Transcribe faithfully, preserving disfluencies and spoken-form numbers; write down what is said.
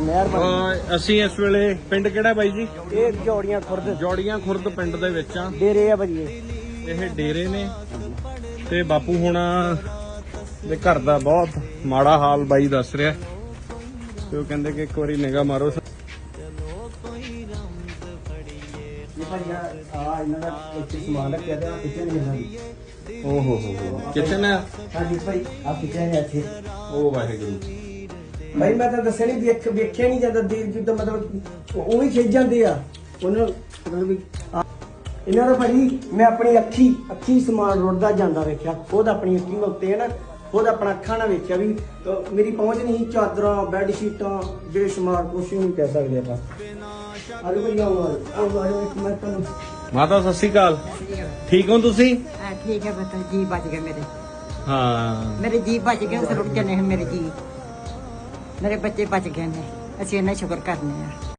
ਮਿਹਰਬਾਨੀ। ਅਸੀਂ ਇਸ ਵੇਲੇ ਪਿੰਡ ਕਿਹੜਾ ਬਾਈ ਜੀ? ਇਹ ਜੋੜੀਆਂ ਖੁਰਦ ਜੋੜੀਆਂ ਖੁਰਦ ਪਿੰਡ ਦੇ ਵਿੱਚ ਆ। ਡੇਰੇ ਆ ਭਾਜੀ ਇਹ। ਇਹ ਡੇਰੇ ਨੇ ਤੇ ਬਾਪੂ ਹੁਣਾ ਦੇ ਘਰ ਦਾ ਬਹੁਤ ਮਾੜਾ ਹਾਲ ਬਾਈ ਦੱਸ ਰਿਹਾ ਤੇ ਉਹ ਕਹਿੰਦੇ ਕਿ ਇੱਕ ਵਾਰੀ ਨਿਗਾਹ ਮਾਰੋ। ਇਹ ਭਾਜੀ ਆ ਇਹਨਾਂ ਦਾ ਇੱਥੇ ਸਮਾਨ ਰੱਖਿਆ ਤੇ ਆ ਕਿਚਨ ਹੈ ਸਾਡੀ। ਓ ਹੋ ਹੋ ਹੋ ਕਿਚਨ ਹੈ। ਹਾਂਜੀ ਭਾਈ ਆ ਕਿਚਨ ਹੈ ਇੱਥੇ। ਉਹ ਵਾਹਿਗੁਰੂ ਭਾਈ ਮੈਂ ਤਾਂ ਦੱਸਿਆ ਨਹੀਂ ਵੇਖ ਵੇਖਿਆ ਨਹੀਂ ਜਾਂਦਾ ਦੇਰ ਜਿੱਦਾਂ ਮਤਲਬ ਉਹ ਵੀ ਖਿੱਚ ਜਾਂਦੇ ਆ ਉਹਨਾਂ ਮਤਲਬ ਵੀ ਆ- ਇਹਨਾਂ ਦਾ ਭਾਜੀ ਮੈਂ ਆਪਣੀ ਅੱਖੀ ਅੱਖੀ ਸਮਾਨ ਰੁੜਦਾ ਜਾਂਦਾ ਵੇਖਿਆ। ਖੁਦ ਆਪਣੀ ਅੱਖੀ ਮੈਂ ਉੱਤੇ ਹੈ ਨਾ ਖੁਦ ਆਪਣਾ ਅੱਖਾਂ ਨਾਲ ਵੇਖਿਆ ਵੀ ਤਾਂ ਮੇਰੀ ਪਹੁੰਚ ਨਹੀਂ ਸੀ। ਚਾਦਰਾਂ ਬੈੱਡ ਸ਼ੀਟਾਂ ਬੇਸ਼ੁਮਾਰ ਕੁਛ ਨਹੀਂ ਕਹਿ ਸਕਦੇ ਆਪਾਂ। ਆਲੂ ਭਾਈ ਆਓ ਆਓ ਆਓ ਇੱਕ ਮੈਂ ਤੁਹਾਨੂੰ ਮਾਤਾ ਸਤਿ ਸ਼੍ਰੀ ਅਕਾਲ। ਠੀਕ ਹੋ ਤੁਸੀਂ? हाँ ठीक है बता जी बच गए मेरे ਹਾਂ मेरे जी बच गए उस रुक चले हैं मेरे जी मेरे बच्चे बच गए ने असं इन्ना शुक्र करने हैं।